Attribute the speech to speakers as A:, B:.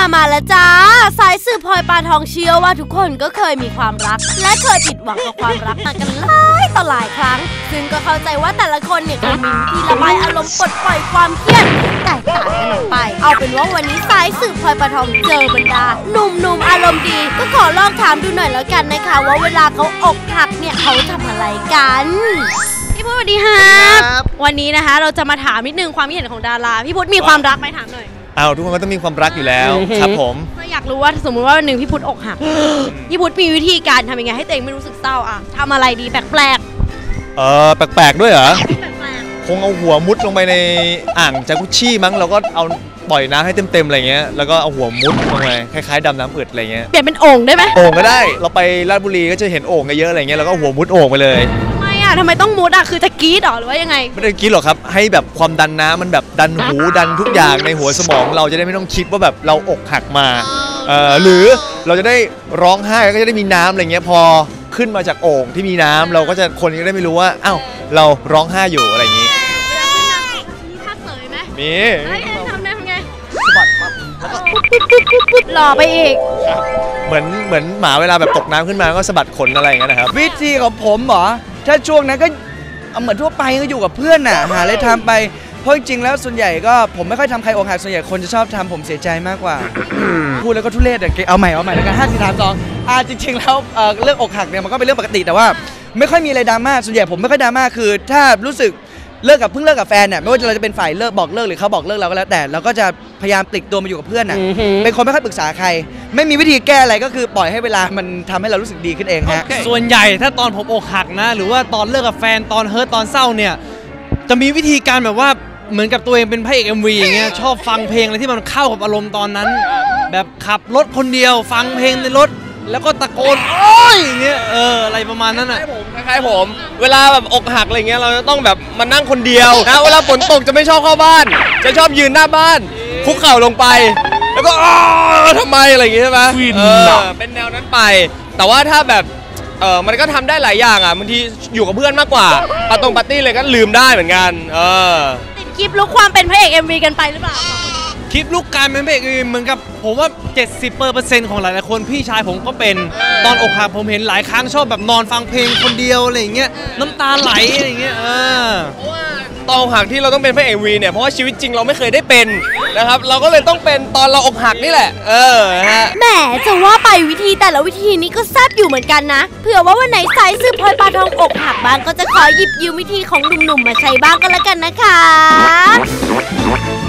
A: มาแล้วจ้าสายสืบพลอยปลาทองเชื่อว่าทุกคนก็เคยมีความรักและเคยผิดหวังกับความรักมากันหลายต่อหลายครั้งซึ่งก็เข้าใจว่าแต่ละคนเนี่ยก็มีวิธีระบายอารมณ์ปลดปล่อยความเครียดแตกต่างกันออกไปเอาเป็นว่าวันนี้สายสืบพลอยปลาทองเจอบรรดาหนุ่มๆอารมณ์ดีก็ขอลองถามดูหน่อยแล้วกันนะคะว่าเวลาเขาอกหักเนี่ยเขาทำอะไรกันพี่พุทธสวัสดีครับวันนี้นะคะเราจะมาถามนิดนึงความคิดเห็นของดาราพี่พุทธมีความรักไหมถามหน่อย
B: ทุกคนก็ต้องมีความรักอยู่แล้วครับผม
A: ก็อยากรู้ว่าสมมติว่าวันหนึ่งพี่พุทธอกหักพี่พุทธมีวิธีการทำยังไงให้ตัวเองไม่รู้สึกเศร้าอ่ะทำอะไรดีแปลก
B: แปลกด้วยเหรอคงเอาหัวมุดลงไปในอ่างจากุชชี่มั้งเราก็เอาปล่อยน้ำให้เต็มๆอะไรเงี้ยแล้วก็เอาหัวมุดลงไปคล้ายๆดำน้ำอึดอะไรเงี้ย
A: เปลี่ยนเป็นโอ่งได้ไหม
B: โอ่งก็ได้เราไปราชบุรีก็จะเห็นโอ่งเยอะอะไรเงี้ยแล้วก็หัวมุดโอ่งไปเลย
A: ทำไมต้องมุดอ่ะคือจะกรี๊ดหรือว่ายังไง
B: ไม่ได้กรี๊ดหรอกครับให้แบบความดันน้ำมันแบบดันหูดันทุกอย่างในหัวสมองเราจะได้ไม่ต้องคิดว่าแบบเราอกหักมาหรือเราจะได้ร้องไห้ก็จะได้มีน้ำอะไรเงี้ยพอขึ้นมาจากโอ่งที่มีน้ำเราก็จะคนก็ได้ไม่รู้ว่าอ้าวเราร้องไห้อยู่อะไรอย่างงี้
A: มีท่าเสยไหม
B: มี
A: ทำไง
B: สะบัดปั๊บ
A: หล่อไปอีก
B: เหมือนหมาเวลาแบบตกน้ำขึ้นมาก็สะบัดขนอะไรอย่างเงี้ยนะครับ
C: วิธีของผมเหรอถ้าช่วงนั้นก็เหมือนทั่วไปก็อยู่กับเพื่อนน่ะหาอะไรทำไปเพราะจริงๆแล้วส่วนใหญ่ก็ผมไม่ค่อยทำใครอกหักส่วนใหญ่คนจะชอบทำผมเสียใจมากกว่าพูดแล้วก็ทุเรศเอาใหม่แล้วกัน5 4 3 2จริงๆแล้วเรื่องอกหักเนี่ยมันก็เป็นเรื่องปกติแต่ว่าไม่ค่อยมีอะไรดราม่าส่วนใหญ่ผมไม่ค่อยดราม่าคือถ้ารู้สึกเพิ่งเลิกกับแฟนเนี่ยไม่ว่าเราจะเป็นฝ่ายเลิกบอกเลิกหรือเขาบอกเลิกเราก็แล้วแต่เราก็จะพยายามปลีกตัวมาอยู่กับเพื่อนน่ะเป็นคนไม่ค่อยปรึกษาใครไม่มีวิธีแก้อะไรก็คือปล่อยให้เวลามันทำให้เรารู้สึกดีขึ้นเองฮะ
D: ส่วนใหญ่ถ้าตอนผมอกหักนะหรือว่าตอนเลิกกับแฟนตอนเฮิร์ตตอนเศร้าเนี่ยจะมีวิธีการแบบว่าเหมือนกับตัวเองเป็นพระเอก MV อย่างเงี้ยชอบฟังเพลงอะไรที่มันเข้ากับอารมณ์ตอนนั้นแบบขับรถคนเดียวฟังเพลงในรถแล้วก็ตะโกนโอ๊ยอย่างเงี้ยอะไรประมาณนั้นอ่ะ
E: คล้ายผมเวลาแบบอกหักอะไรเงี้ยเราจะต้องแบบมานั่งคนเดียวนะเวลาฝนตกจะไม่ชอบเข้าบ้านจะชอบยืนหน้าบ้านคุกเข่าลงไปแล้วก็ทำไมอะไรอย่างเงี้ยใช่ไหมเป็นแนวนั้นไปแต่ว่าถ้าแบบมันก็ทำได้หลายอย่างอ่ะบางทีอยู่กับเพื่อนมากกว่าปาร์ตี้เลยก็ลืมได้เหมือนกัน
A: ติดคลิปลุกความเป็นพระเอก MV กันไปหรือเปล่า
D: คลิปลูกการเป็นพระเอกเหมือนกับผมว่า 70% ของหลายๆคนพี่ชายผมก็เป็นตอนอกหักผมเห็นหลายครั้งชอบแบบนอนฟังเพลงคนเดียวอะไรอย่างเงี้ยน้ำตาไหลอะไรอย่างเงี้ย
E: เพราะว่าตอนอกหักที่เราต้องเป็นพระเอกวีเนี่ยเพราะว่าชีวิตจริงเราไม่เคยได้เป็นนะครับเราก็เลยต้องเป็นตอนเราอกหักนี่แหละฮะ
A: แหมจะว่าไปวิธีแต่ละวิธีนี้ก็แซ่บอยู่เหมือนกันนะเผื่อว่าวันไหนสายสืบพลอยปลาทองอกหักบ้างก็จะขอหยิบยืมวิธีของหนุ่มๆมาใช้บ้างก็แล้วกันนะคะ